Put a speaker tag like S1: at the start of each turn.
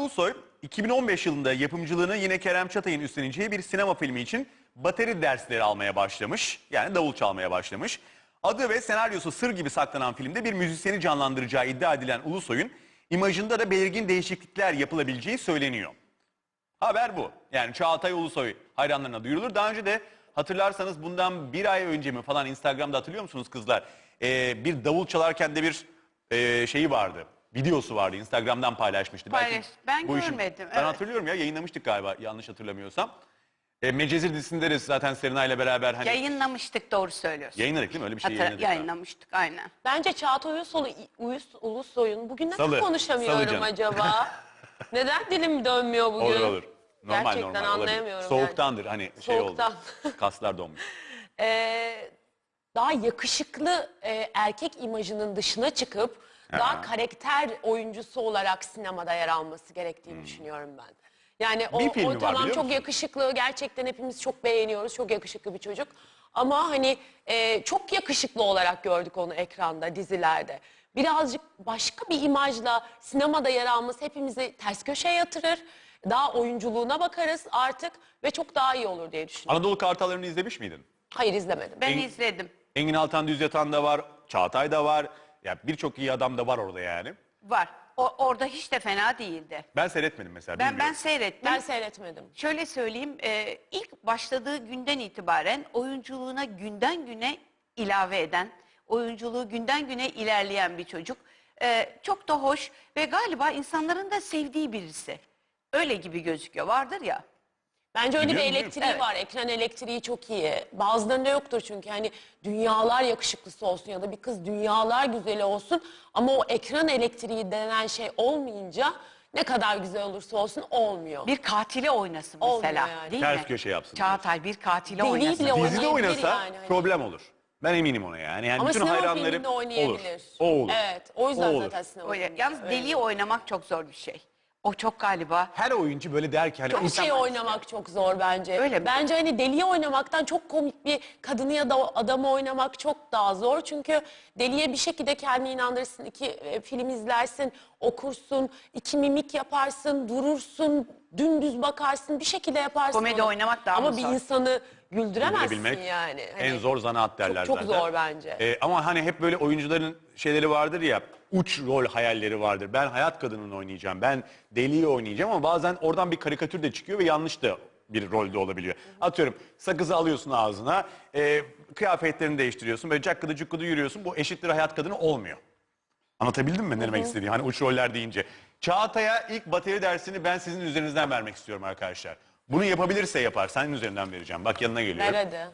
S1: Ulusoy 2015 yılında yapımcılığını yine Kerem Çatay'ın üstleneceği bir sinema filmi için bateri dersleri almaya başlamış. Yani davul çalmaya başlamış. Adı ve senaryosu sır gibi saklanan filmde bir müzisyeni canlandıracağı iddia edilen Ulusoy'un imajında da belirgin değişiklikler yapılabileceği söyleniyor. Haber bu. Yani Çağatay Ulusoy hayranlarına duyurulur. Daha önce de hatırlarsanız bundan bir ay önce mi falan Instagram'da hatırlıyor musunuz kızlar? Bir davul çalarken de bir şeyi vardı. Videosu vardı. Instagram'dan paylaşmıştı.
S2: Paylaş. Ben
S1: bu işin-
S2: görmedim,
S1: Ben
S2: evet.
S1: hatırlıyorum ya, yayınlamıştık galiba yanlış hatırlamıyorsam. Medcezir dizisinde de zaten Serena ile beraber hani
S2: Yayınlamıştık, doğru söylüyorsun.
S1: yayınladık değil mi? Öyle bir şey yayınladık. galiba.
S2: Yayınlamıştık aynen.
S3: Bence Çağatay Ulusoy'un bugün neden
S1: Salı
S3: konuşamıyorum
S1: canım.
S3: acaba? Neden dilim dönmüyor bugün?
S1: Olur olur. Normal
S3: Gerçekten
S1: normal olabilir.
S3: anlayamıyorum.
S1: Soğuktandır hani şey
S3: Soğuktan.
S1: oldu. Kaslar donmuş.
S3: Daha yakışıklı erkek imajının dışına çıkıp daha karakter oyuncusu olarak sinemada yer alması gerektiğini düşünüyorum ben. Yani
S1: Bir filmi var,
S3: tamam
S1: biliyor
S3: çok
S1: musun?
S3: yakışıklı, gerçekten hepimiz çok beğeniyoruz, çok yakışıklı bir çocuk. Ama hani çok yakışıklı olarak gördük onu ekranda, dizilerde. Birazcık başka bir imajla sinemada yer alması hepimizi ters köşeye yatırır. Daha oyunculuğuna bakarız artık ve çok daha iyi olur diye düşünüyorum.
S1: Anadolu Kartalları'nı izlemiş miydin?
S3: Hayır, izlemedim.
S2: Ben izledim.
S1: Engin Altan Düz Yatan da var, Çağatay da var. Ya birçok iyi adam da var orada yani.
S2: Var. Orada hiç de fena değildi.
S1: Ben seyretmedim mesela.
S2: Ben
S1: bilmiyorum.
S2: seyrettim.
S3: Ben seyretmedim.
S2: Şöyle söyleyeyim, ilk başladığı günden itibaren oyunculuğuna günden güne ilave eden, oyunculuğu günden güne ilerleyen bir çocuk. Çok da hoş ve galiba insanların da sevdiği birisi. Öyle gibi gözüküyor. Vardır ya.
S3: Bence öyle bir
S1: Biliyorum,
S3: elektriği
S2: evet.
S3: var. Ekran elektriği çok iyi. Bazılarında yoktur çünkü hani dünyalar yakışıklısı olsun ya da bir kız dünyalar güzeli olsun ama o ekran elektriği denen şey olmayınca ne kadar güzel olursa olsun olmuyor.
S2: Bir katili oynasın
S3: Olmuyor
S2: mesela.
S3: yani.
S2: Değil
S1: Ters
S2: mi?
S1: köşe yapsın
S2: Çağatay bir katili
S3: Deliği
S2: oynasın.
S3: bile
S1: Dizide
S3: oynayabilir
S1: oynasa
S3: yani.
S1: problem olur. Ben eminim ona yani. Yani
S3: Ama
S1: bütün
S3: sinema
S1: hayranları
S3: filminde oynayabilir.
S1: olur. O olur.
S3: Evet, o yüzden
S1: O olur.
S3: zaten sinema
S2: Öyle.
S3: filminde
S2: Yalnız
S3: öyle.
S2: deliği oynamak çok zor bir şey. O çok galiba.
S1: Her oyuncu böyle der ki hani
S3: Bir şey oynamak çok zor bence.
S2: Öyle mi?
S3: Bence hani deliye oynamaktan çok komik bir kadını ya da adamı oynamak çok daha zor. Çünkü deliye bir şekilde kendini inandırırsın. Film izlersin, okursun, iki mimik yaparsın, durursun, dümdüz bakarsın, bir şekilde yaparsın.
S2: Komedi
S3: onu.
S2: oynamak daha
S3: Ama
S2: mı
S3: bir
S2: zor?
S3: insanı güldüremezsin
S1: güldürebilmek
S3: yani.
S1: en
S3: Hani
S1: zor zanaat derler
S3: çok
S1: zaten.
S3: zor bence.
S1: Ama hani hep böyle oyuncuların şeyleri vardır ya, uç rol hayalleri vardır. Ben hayat kadınını oynayacağım, ben deliyi oynayacağım ama bazen oradan bir karikatür de çıkıyor ve yanlış da bir rolde olabiliyor. Atıyorum sakızı alıyorsun ağzına, kıyafetlerini değiştiriyorsun, böyle cakkıdı cukkudu yürüyorsun. Bu eşittir hayat kadını olmuyor. Anlatabildim mi ne demek istediğimi? Hani uç roller deyince. Çağatay'a ilk bateri dersini ben sizin üzerinizden vermek istiyorum arkadaşlar. Bunu yapabilirse yapar. Senin üzerinden vereceğim. Bak yanına geliyor.
S3: Ver hadi.